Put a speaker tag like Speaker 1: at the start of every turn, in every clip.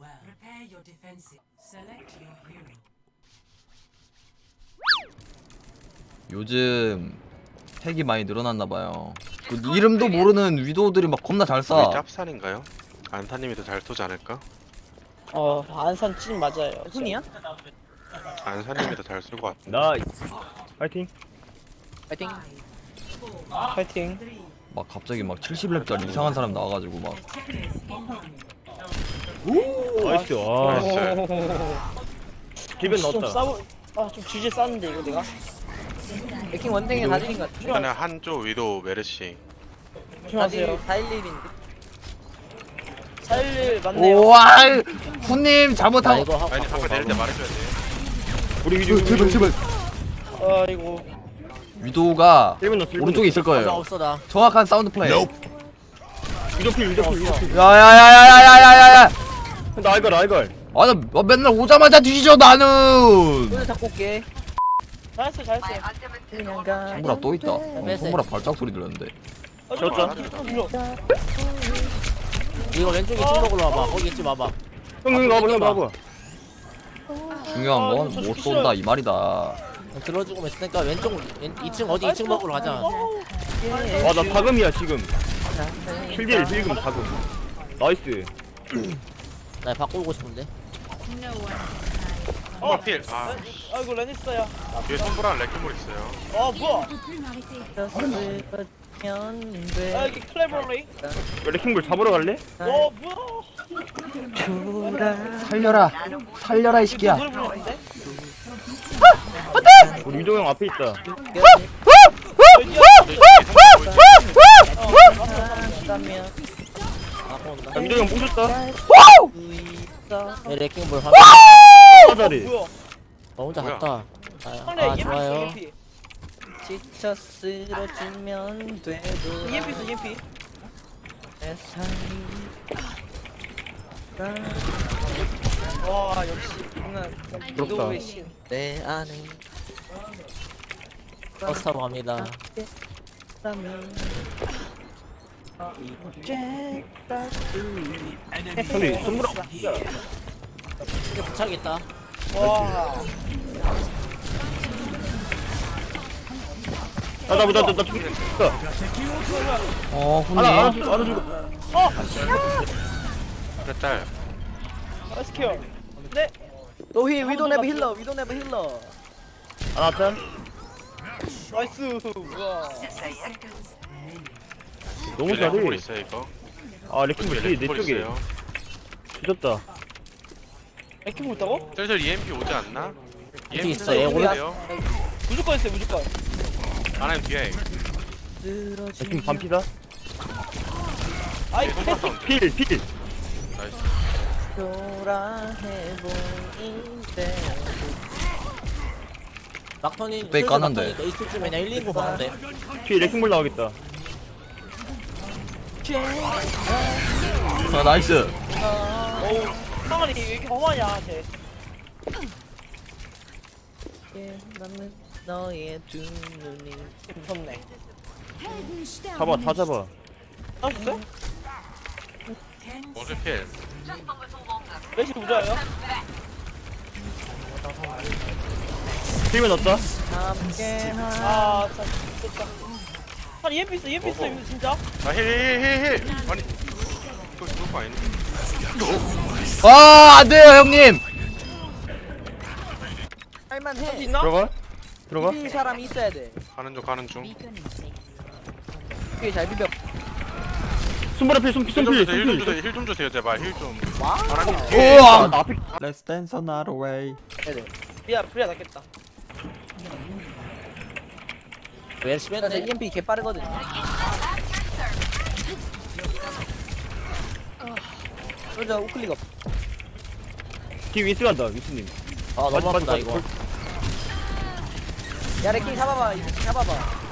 Speaker 1: 요즘 핵이 많이 늘어났나봐요. 그 이름도 모르는 위도우들이 막 겁나 잘 쏴.
Speaker 2: 짭산인가요? 안사님이 더 잘 쏘지 않을까?
Speaker 3: 안산 찐 맞아요. 훈이야?
Speaker 2: 안사님이 더 잘 쏠 것 같아.
Speaker 4: 나이스. 파이팅.
Speaker 3: 파이팅. 파이팅.
Speaker 1: 막 갑자기 막 70렙짜리 이상한 사람 나와가지고 막
Speaker 4: 나이스. 와. 기분
Speaker 3: 좀
Speaker 4: 넣었다.
Speaker 3: 싸우. 좀 주제 쌌는데 이거 내가.
Speaker 5: 맥킹 원탱이 다 드린 것 같아.
Speaker 2: 이번에 한조 위도 메르시.
Speaker 3: 조심하세요.
Speaker 5: 411인데.
Speaker 3: 411 맞네요.
Speaker 1: 오와 후님 잘못하고
Speaker 3: 이거 하고.
Speaker 2: 아니 방금 내릴 때 말해줘야 돼.
Speaker 4: 우리 위주.
Speaker 1: 제발
Speaker 3: 이거.
Speaker 1: 위도우가
Speaker 4: 1분 넣었어.
Speaker 1: 오른쪽에 있을
Speaker 5: 나
Speaker 1: 거예요.
Speaker 5: 없어 나.
Speaker 1: 정확한 사운드 플레이.
Speaker 4: 위도필.
Speaker 1: 야야야야야야야야.
Speaker 4: 나 알걸.
Speaker 1: 아나 맨날 오자마자 뒤지죠 나는.
Speaker 5: 손을 잡고 올게.
Speaker 3: 잘했어요.
Speaker 5: 그냥 가.
Speaker 1: 손보라 또 있다. 손보라 발작 소리 들렸는데.
Speaker 4: 졌다.
Speaker 5: 이거 왼쪽에 팀 먹으러 와봐. 거기 있지 마봐.
Speaker 4: 형 나와봐.
Speaker 1: 중요한 건 못 쏜다 이 말이다.
Speaker 5: 들어주고 있으니까 왼쪽 2층 어디 2층 먹으러 가자.
Speaker 4: 나 다금이야 지금. 7딜 필금 다금. 나이스.
Speaker 5: 나 바꾸고 싶은데.
Speaker 2: 한번 필.
Speaker 3: 이거 레니스야.
Speaker 2: 뒤에 선브랑 레킹볼 있어요.
Speaker 3: 뭐야?
Speaker 5: 현대.
Speaker 3: 여기 클레버리.
Speaker 4: 레킹볼 잡으러 갈래?
Speaker 3: 뭐야?
Speaker 1: 살려라 이 새끼야.
Speaker 3: 노래 부르는데?
Speaker 4: 우리 위도 형 앞에 있다. 야, 위도 형 부셨다.
Speaker 5: 네, 레킹볼 한.
Speaker 4: 자리.
Speaker 3: 뭐야?
Speaker 5: 혼자
Speaker 2: 뭐야?
Speaker 5: 갔다.
Speaker 3: 상대
Speaker 5: 아
Speaker 3: EMP
Speaker 5: 좋아요.
Speaker 3: EMP.
Speaker 5: 지쳐 쓰러지면 돼도.
Speaker 3: EMP 있어 EMP. 와 역시 장난.
Speaker 4: 부럽다.
Speaker 5: 내 안에. 버스 타고 갑니다.
Speaker 4: 형님 손보라.
Speaker 5: 이게 부착있다.
Speaker 3: 와.
Speaker 4: 나
Speaker 1: 후님.
Speaker 4: 알아주고.
Speaker 2: 그랬달.
Speaker 3: 스퀘어. 네.
Speaker 5: 노히 위도 네버 힐러 위도 네버 힐러.
Speaker 4: 하나 짠.
Speaker 3: 나이스. 와.
Speaker 4: 너무
Speaker 2: 레킹볼
Speaker 4: 잘해.
Speaker 2: 있어요 이거.
Speaker 4: 레킹볼 뒤에 내
Speaker 2: 레킹볼
Speaker 4: 쪽에.
Speaker 2: 있어요.
Speaker 4: 뒤졌다.
Speaker 3: 레킹 있다고?
Speaker 2: 슬슬 EMP 오지 않나?
Speaker 5: EMP 있어, 얘 올라-
Speaker 3: 무조건 있어요 무조건.
Speaker 2: 하나님 뒤에.
Speaker 4: 레킹 반피다.
Speaker 3: 아이
Speaker 2: 손브라 사운드.
Speaker 4: 필.
Speaker 2: 나이스.
Speaker 5: 막턴이
Speaker 1: 백 까는데.
Speaker 5: 이쪽쯤에 그냥 119 봤는데.
Speaker 4: 뒤에 레킹볼 나오겠다.
Speaker 1: 나이스.
Speaker 3: 어우 상한이 왜 이렇게 험하냐 쟤.
Speaker 5: 나는 너의 두 눈이.
Speaker 3: 무섭네.
Speaker 4: 잡아 다 잡아.
Speaker 3: 나이스?
Speaker 2: 원수 필.
Speaker 3: 레시 부자예요?
Speaker 4: 필면 넣었다.
Speaker 3: 아 진짜 좋다. 아니 EMP 있어 EMP 있어 이거 진짜?
Speaker 2: 힐. 아니. 이거 죽을 거 아니니?
Speaker 1: 안돼요 형님.
Speaker 5: 할만해.
Speaker 3: 할수 있나?
Speaker 4: 들어가.
Speaker 5: 이 사람이 있어야 돼.
Speaker 2: 가는 중.
Speaker 5: 그게 잘 비벼.
Speaker 4: 손보라 필.
Speaker 2: 힐 좀 주세요 제발 힐 좀. 하나님
Speaker 1: 우와.
Speaker 2: 뒤에.
Speaker 4: 나 앞에.
Speaker 1: Let's dance another way.
Speaker 3: 프리야 낫겠다.
Speaker 5: 왜 심했네. EMP 개 빠르거든. 그러자 우클릭업.
Speaker 4: 뒤 위스 간다 위스님.
Speaker 5: 아 너무 아프다 이거. 야 레킹 잡아봐. 이 새끼 잡아봐.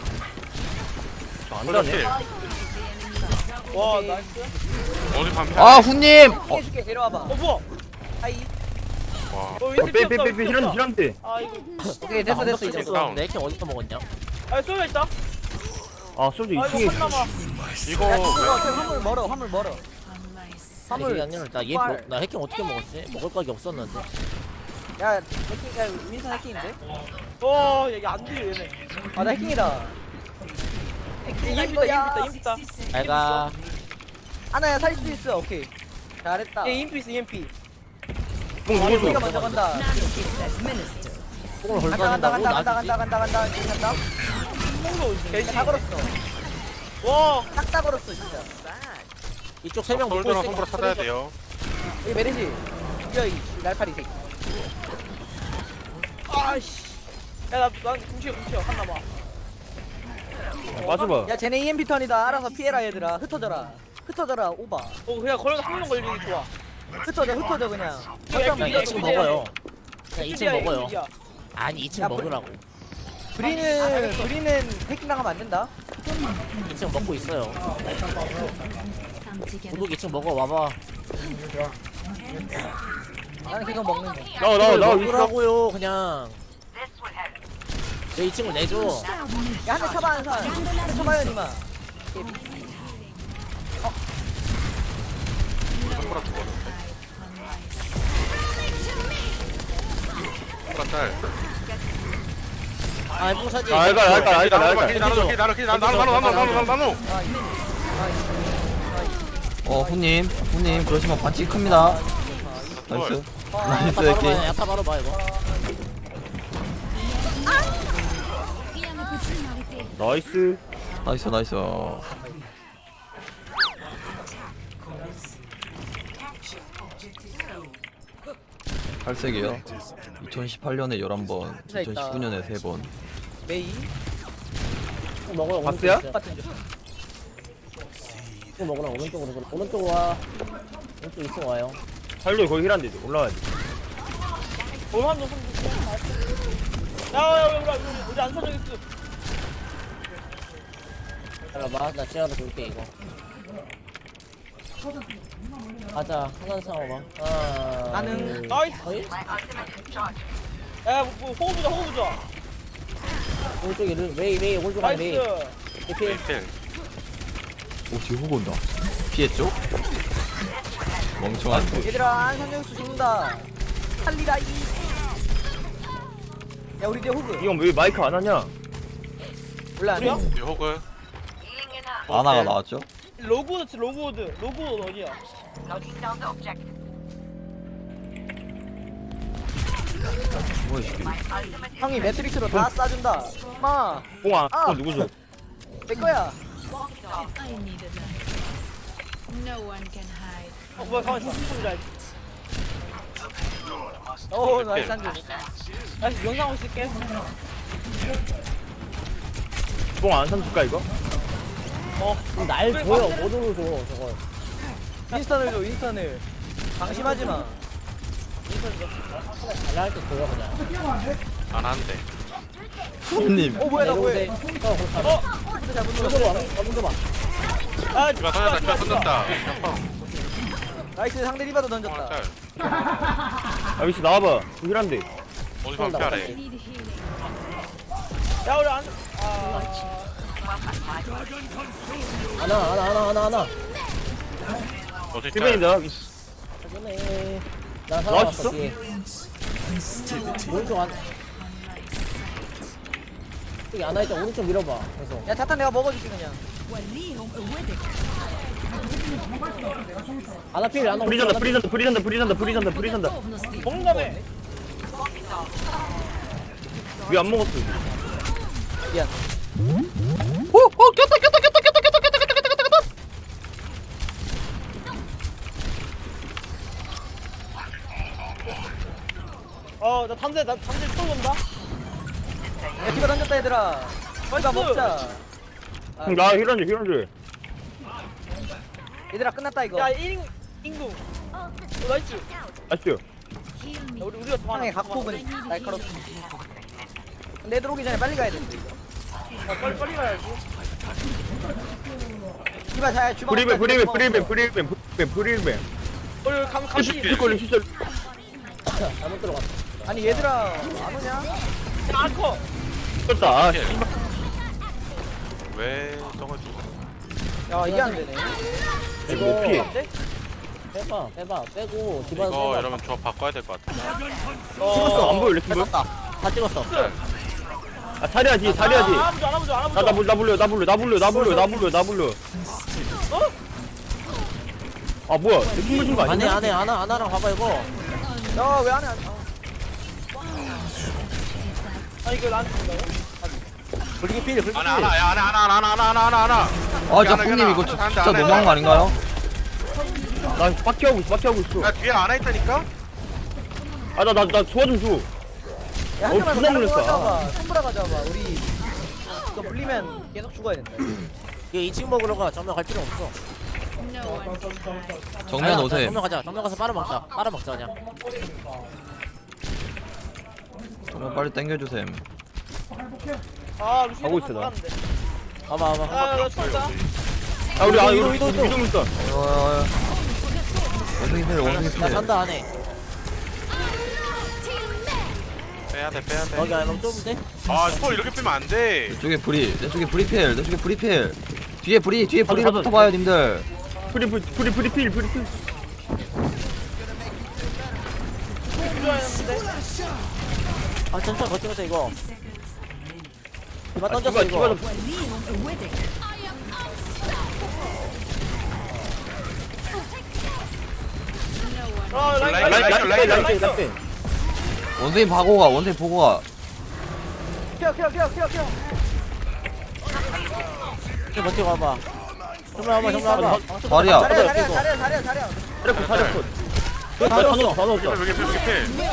Speaker 4: 안
Speaker 2: 손브라
Speaker 4: 가네.
Speaker 2: 필.
Speaker 3: 와 나이스.
Speaker 2: 어디 반피.
Speaker 1: 후님.
Speaker 5: 해줄게 데려와봐.
Speaker 3: 뭐야?
Speaker 5: 하이.
Speaker 2: 와.
Speaker 4: 빼 힐한테.
Speaker 3: 아 이거.
Speaker 5: 오케이 됐어
Speaker 2: 아,
Speaker 5: 이제.
Speaker 2: 다운.
Speaker 5: 레킹 어디서 먹었냐?
Speaker 3: 쏘여 있다.
Speaker 4: 솔직히
Speaker 3: 아 이거
Speaker 4: 2층에
Speaker 3: 한 남아.
Speaker 2: 이거
Speaker 5: 야 이거 화물 멀어. 이게 아니라 나 얘 나 해킹 어떻게 먹었지? 먹을 각이 없었는데.
Speaker 6: 야 해킹 야 민선 해킹인데?
Speaker 3: 얘 안 들려 얘네.
Speaker 6: 아 나 해킹이다.
Speaker 3: EMP 있다.
Speaker 5: 잘가.
Speaker 6: 아나야 살릴 수 있어. 오케이. 잘했다.
Speaker 3: 얘 EMP 있어 EMP.
Speaker 4: 뽕
Speaker 6: 우리가
Speaker 4: 누구죠?
Speaker 6: 먼저 간다.
Speaker 5: 뽕을
Speaker 6: 간다
Speaker 5: 헐거진다고
Speaker 6: 간다
Speaker 5: 나지.
Speaker 6: 간다.
Speaker 3: 뽕도 개시.
Speaker 6: 다 걸었어.
Speaker 3: 와.
Speaker 6: 딱다 걸었어 진짜.
Speaker 5: 이쪽 3명 묶고
Speaker 2: 솔저랑
Speaker 5: 있으니까
Speaker 2: 손보라 찾아야 돼요.
Speaker 6: 여기 메르시. 뛰어 이 날파리 새끼.
Speaker 3: 아씨. 야난 궁치여 한 남아.
Speaker 4: 빠져봐.
Speaker 6: 야 쟤네 EMP 턴이다. 알아서 피해라 얘들아. 흩어져라 오바.
Speaker 3: 그냥 걸어서 한 명 걸리는 게 좋아.
Speaker 6: 흩어져 그냥.
Speaker 3: 이거
Speaker 5: 그냥
Speaker 3: 이거
Speaker 5: 2층
Speaker 3: 이거
Speaker 5: 먹어요. 그냥 2층
Speaker 3: 이거
Speaker 5: 먹어요.
Speaker 3: 이거.
Speaker 5: 아니 2층
Speaker 6: 야,
Speaker 5: 먹으라고.
Speaker 6: 브리는 해킹 당하면 안 된다.
Speaker 5: 2층 먹고 있어요. 구독 2층 먹어 와봐.
Speaker 6: 나는 그거 먹는 거.
Speaker 4: 나와 위스.
Speaker 5: 먹으라고요 그냥. 내 2층을 내줘.
Speaker 6: 야 한 대 쳐봐 한 살. 한대 쳐봐요 니마.
Speaker 2: 손보라 죽었는데. 손보라 짤.
Speaker 5: 아 뽕 사지.
Speaker 2: 나눠.
Speaker 1: 후님 그러시면 반칙 큽니다. 나이스. 나이스
Speaker 5: 바로
Speaker 1: 게임.
Speaker 5: 봐. 야타 바로 봐 이거.
Speaker 4: 나이스.
Speaker 1: 나이스. 팔색이요. 2018년에 11번, 2019년에 3번.
Speaker 6: 메이
Speaker 5: 뽕 먹으라
Speaker 4: 박스야?
Speaker 5: 오른쪽 있어.
Speaker 6: 같은 줄.
Speaker 5: 뽕 먹으라 오른쪽으로 그래. 오른쪽 와. 오른쪽 2층 와요.
Speaker 4: 살로 거기 힐한데 올라와야 돼.
Speaker 3: 얼마나 손. 야 우리 안 사정했어.
Speaker 5: 잠깐만 나 지하로 돌게 이거. 가자 하나 상어봐.
Speaker 6: 나는
Speaker 3: 나이스.
Speaker 5: 어이?
Speaker 3: 야 호구 보자.
Speaker 5: 오른쪽에 웨이 오른쪽 안에 웨이.
Speaker 3: 나이스.
Speaker 5: 이필.
Speaker 2: 필.
Speaker 1: 오, 뒤에 후보 온다. 피했죠? 멍청한.
Speaker 6: 얘들아 안산정수 죽는다. 살리라 이. 야 우리 뒤에 호그.
Speaker 4: 이건 왜 마이크 안 하냐?
Speaker 6: 몰라 안 해?
Speaker 2: 이 호그.
Speaker 1: 아나가 나왔죠?
Speaker 3: 로그워드 어디야?
Speaker 1: 뭐야, 이 새끼.
Speaker 6: 형이 매트릭스로 다 쏴준다. 마.
Speaker 4: 뽕아.
Speaker 6: 아.
Speaker 4: 뽕 누구죠?
Speaker 6: 내 거야.
Speaker 7: I needed them. No one can hide.
Speaker 3: 뭐야 가만히 있어. 손을
Speaker 6: 오 나이스 한줄.
Speaker 3: 나이스 영상하고 있을게.
Speaker 4: 뽕안 삼줄까 이거?
Speaker 5: 날 보여 못 오르죠 저거.
Speaker 6: 윈스턴을 방심하지 마.
Speaker 5: 잘할 때 보여 그냥.
Speaker 2: 안 한대.
Speaker 1: 후님.
Speaker 6: 오 뭐야 나 뭐해?
Speaker 5: 내려오세요.
Speaker 6: 잘못
Speaker 5: 먼저
Speaker 6: 눌렀어.
Speaker 5: 봐. 먼저 봐.
Speaker 3: 아
Speaker 2: 디바 던졌다.
Speaker 6: 나이스 상대 리바도
Speaker 2: 손보라
Speaker 6: 던졌다.
Speaker 2: 짤.
Speaker 4: 아 위스 나와봐. 힐한데.
Speaker 2: 어디 방피하래.
Speaker 7: Need healing.
Speaker 3: 야 우리 안.
Speaker 5: 하나.
Speaker 2: 어디 짤.
Speaker 4: 힐벤이다. 위스.
Speaker 5: 그러네. 나
Speaker 4: 나왔어?
Speaker 5: 살아왔어 뒤에. 오른쪽 안. 여기 안와 있다. 오른쪽 밀어봐. 계속.
Speaker 6: 야 자탄 내가 먹어줄게 그냥.
Speaker 5: 안아필 안아.
Speaker 4: 프리잔다.
Speaker 3: 먹는다며.
Speaker 4: 왜 안 먹었어?
Speaker 6: 미안.
Speaker 1: 꼈다.
Speaker 3: 나 담대 또 온다.
Speaker 6: 야 디바 던졌다 얘들아. 디바 먹자. 아,
Speaker 4: 나 힐한데.
Speaker 6: 얘들아 끝났다 이거.
Speaker 3: 야 1인 인구. 나이스.
Speaker 4: 아시죠?
Speaker 7: Heal me.
Speaker 3: 야, 우리가 더 많아.
Speaker 6: 상의 각폭은 날카롭다. 내 들어오기 전에 빨리 가야 돼.
Speaker 3: 빨리 가야지.
Speaker 6: 디바 잘 주방.
Speaker 4: 프리벤.
Speaker 3: 우리 감시.
Speaker 4: 힐걸림 진짜.
Speaker 5: 잘못 들어갔어.
Speaker 6: 아니 얘들아 안 오냐?
Speaker 3: 아커.
Speaker 4: 떴다. 아,
Speaker 2: 왜 저걸 죽어?
Speaker 6: 야 이게 안 되네.
Speaker 4: 뭐 피해.
Speaker 5: 빼봐 빼고 디바도
Speaker 2: 이거
Speaker 5: 빼봐.
Speaker 2: 여러분 조합 바꿔야 될 것 같아.
Speaker 4: 찍었어 안 보여 레킹볼?
Speaker 5: 뺐었다. 다 찍었어.
Speaker 4: 아 자리야지 자리야지.
Speaker 3: 안 아무죠.
Speaker 4: 나 불려. 아 뭐야 레킹볼 준거
Speaker 5: 안해
Speaker 4: 아니야?
Speaker 5: 아나랑 봐봐 이거.
Speaker 6: 야왜 안해
Speaker 3: 아 이거 나한테 준다고?
Speaker 5: 불리기 필 불리기 필.
Speaker 2: 하나 야 하나.
Speaker 1: 아 진짜 뿡님 이거 진짜 너무한 거 아닌가요?
Speaker 4: 나 빡게 하고 있어.
Speaker 2: 야 뒤에 안와 있다니까?
Speaker 4: 아 나 도와 좀 줘.
Speaker 6: 야
Speaker 4: 어,
Speaker 6: 한명만
Speaker 4: 존나 놀랬어.
Speaker 6: 가져와봐 손보라 가져와봐 우리 이거 물리면 계속 죽어야 된다
Speaker 5: 이거 2층 먹으러 가. 정면 갈 필요 없어.
Speaker 7: No one can hide.
Speaker 1: 정면
Speaker 5: 아니야,
Speaker 1: 오셈.
Speaker 5: 정면 가자. 정면 가서 빨아먹자 그냥.
Speaker 1: 정면 빨리 당겨주셈.
Speaker 3: 아 루시
Speaker 4: 가고 있어, 나.
Speaker 5: 봐봐.
Speaker 3: 야나 죽었다.
Speaker 4: 아 우리
Speaker 5: 이거.
Speaker 4: 위좀 있어.
Speaker 1: 원숭이 필 원숭이
Speaker 5: 나
Speaker 1: 필.
Speaker 5: 산다 안해.
Speaker 2: 빼야 돼.
Speaker 5: 여기 안에 너무 좁은데?
Speaker 2: 아 스포 이렇게 빼면 안 돼.
Speaker 1: 내 쪽에 불이 필. 뒤에 불이로
Speaker 4: 가자.
Speaker 1: 붙어봐요 님들.
Speaker 4: 프리 필.
Speaker 5: 아 잠시만 버티면서 이거. 디바
Speaker 4: 아,
Speaker 5: 던졌어
Speaker 4: 디바
Speaker 5: 이거.
Speaker 4: 좀-
Speaker 3: 아
Speaker 4: 라인.
Speaker 1: 원숭이 보고 가.
Speaker 6: 켜
Speaker 5: 버티고 와봐. 정면 와봐.
Speaker 1: 자리야.
Speaker 6: 자리야
Speaker 4: 자리야.
Speaker 5: 다 넣었어.
Speaker 4: 다 넣었어.
Speaker 2: 여기 필.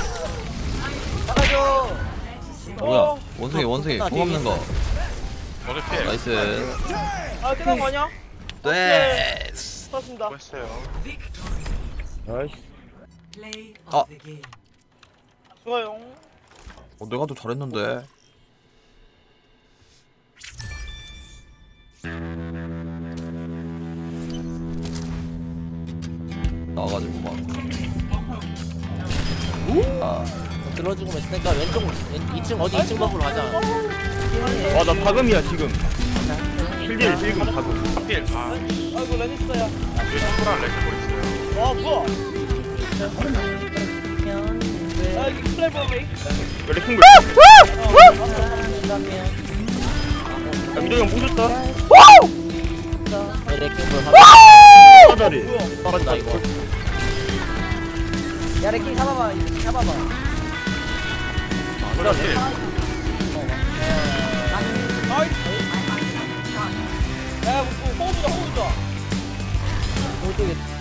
Speaker 6: 나가줘
Speaker 1: 뭐야? 원숭이 공 없는 거.
Speaker 2: 어디 필?
Speaker 1: 나이스.
Speaker 3: 아 끝난 거 아니야?
Speaker 1: 네.
Speaker 3: 좋습니다.
Speaker 2: 했어요.
Speaker 4: 아이씨.
Speaker 1: 아,
Speaker 3: 좋아요.
Speaker 1: 내가 더 잘했는데. 나와가지고 막. 아,
Speaker 5: 들어주고 있으니까 왼쪽 2층 어디 2층 먹으러 가자.
Speaker 4: 와나 다금이야 지금. 필딜 지금 다금.
Speaker 2: 필. 아
Speaker 3: 아이고 레니스야.
Speaker 2: 위에 손보라 레킹볼 있어요.
Speaker 3: 와 뭐야? 아 이거 플레이버 메이.
Speaker 4: 레킹볼. 야 민정이 형 부셨다.
Speaker 5: 레킹볼
Speaker 4: 사다리.
Speaker 5: 떨어진다 이거.
Speaker 6: 야 레킹 잡아봐
Speaker 2: 손보라 필.
Speaker 3: 야 호흡 좋아.
Speaker 5: 오른쪽에